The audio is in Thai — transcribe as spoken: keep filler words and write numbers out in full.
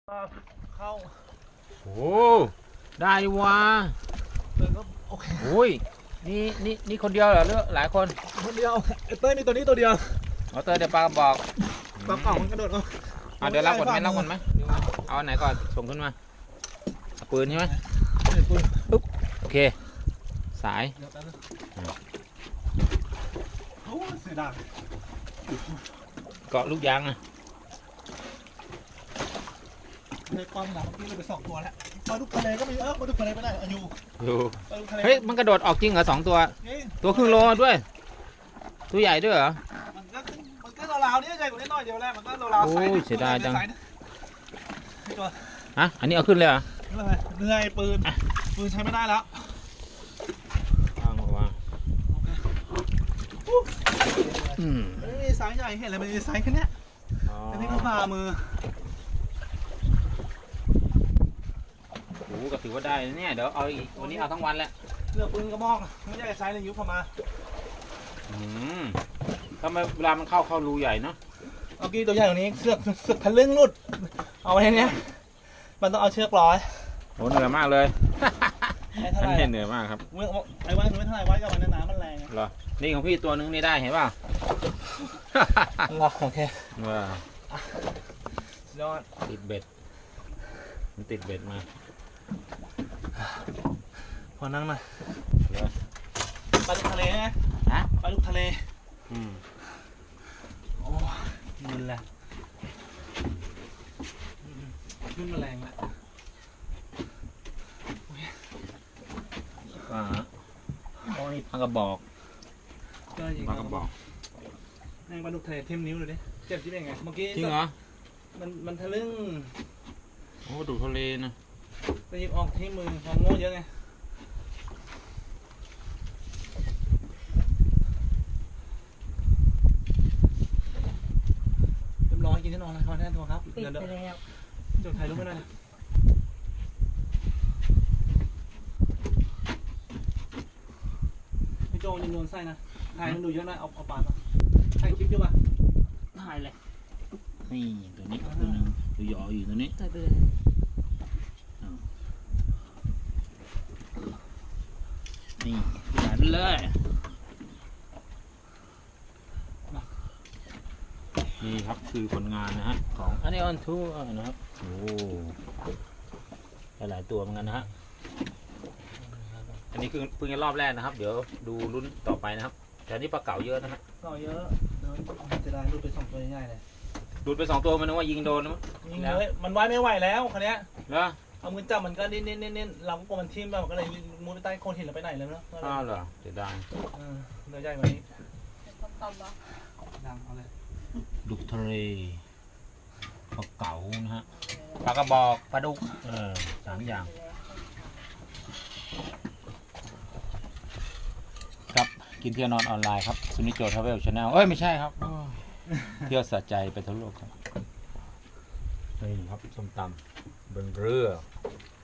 เข้าโอ้ได้วะเลยก็โอเคโอ้ยนี่นี่นี่คนเดียวเหรอหรือหลายคนคนเดียวไอ้เต้ยมีตัวนี้ตัวเดียวเอาเตอร์เดี๋ยวปลากระบอกปลาเก่ามันกระโดดเอาเอาเดี๋ยวรับก่อนไหมรับก่อนไหมเอาอันไหนก่อนส่งขึ้นมาปืนใช่ไหมปุ๊บโอเคสายโอ้เสียดายเกาะลูกยางนะในความหนักเมื่อกี้เราไปสองตัวแล้วปลาดุกทะเลก็มีเออปลาดุกทะเลไม่ได้อายุอยู่เฮ้ยมันกระโดดออกจริงเหรอสองตัวตัวครึ่งโลด้วยตัวใหญ่ด้วยเหรอมันก็มันก็ราวๆนี่ใหญ่กว่านี้หน่อยเดียวแหละมันก็ราวๆโอ้ยเสียดายจังฮะอันนี้เอาขึ้นเลยเหรอเหนื่อยปืนปืนใช้ไม่ได้แล้ววางวางไม่มีไซส์ใหญ่เห็นเลยมันมีไซส์แค่นี้อันนี้ก็พามือโอ้ก็ถือว่าได้เนี่ยเดี๋ยวเอาอีกวันนี้เอาทั้งวันแหละเลือกปืนกระบอกไม่ใช่ไซส์ในยุคเข้ามาอืมทำไมเวลามันเข้าเข้ารูใหญ่เนาะเมื่อกี้ตัวใหญ่กว่านี้เสือกเสือกทะลึ่งรุดเอาไว้เนี้ยมันต้องเอาเชือกร้อยโหเหนื่อยมากเลยไม่เท่าไหร่เหนื่อยมากครับไอ้ไว้ไม่เท่าไหร่ไว้กับมันน้ำมันแรงเหรอนี่ของพี่ตัวนึงนี่ได้เห็นป่ะหรอโอเคว้าวยอดติดเบ็ดมันติดเบ็ดมาพอนั่งหน่อยปลาดุกทะเลไงฮะปลาดุกทะเลอืมโอ้มันแหละขึ้นมาแรงละอ่าโอ้นี่ปลากระบอกปลากระบอกแรงปลาดุกทะเลทิ่มนิ้วเลยดิเจ็บที่เป็นไงเมื่อกี้จริงเหรอมันมันทะลึ่งโอ้ดุกทะเลนะไปหยิบออกที่มือของโง่เยอะไงเรียบร้อยกินที่นอนแล้วแน่ตัวครับปิดไปแล้วจดถ่ายรูปไม่ได้พี่โจยังโดนไส้นะถ่ายมันดูเยอะนะเอาเอาปากก่อนถ่ายคลิปเยอะป่ะถ่ายเลยนี่ตัวนี้ตัวนึงตัวหยออยู่ตัวนี้ถ่ายไปเลยนี่หายไปเลยนี่ครับคือผลงานนะฮะของอันนี้ออนทูนะครับโอ้หลายตัวเหมือนกันนะฮะอันนี้คือเพิ่งจะรอบแรกนะครับเดี๋ยวดูลุ้นต่อไปนะครับแต่นี่ปลาเก๋าเยอะนะฮะเก๋าเยอะเดินจะได้ดูไปสองตัวใหญ่เลยดูดไปสองตัวมันนึกว่ายิงโดนนะยิงเลยมันไว้ไม่ไหวแล้วคันนี้เหรอเอามือจับมันก็นิ่นๆๆเราก็กลัวมันทิ่มแบบก็เลยมุดไปใต้โคนหินแล้วไปไหนเลยเนาะอ้าวเหรอเสียดายเออเนื้อใหญ่กว่านี้ดังเอาเลยดุกทะเลปลาเก๋านะฮะปลากระบอกปลาดุกเออสามอย่างครับกินเที่ยวนอนออนไลน์ครับซุนิโจทราเวลชาแนลเอ้ยไม่ใช่ครับเที่ยวสะใจไปทั้งโลกครับนี่ครับส้มตำบนเรือ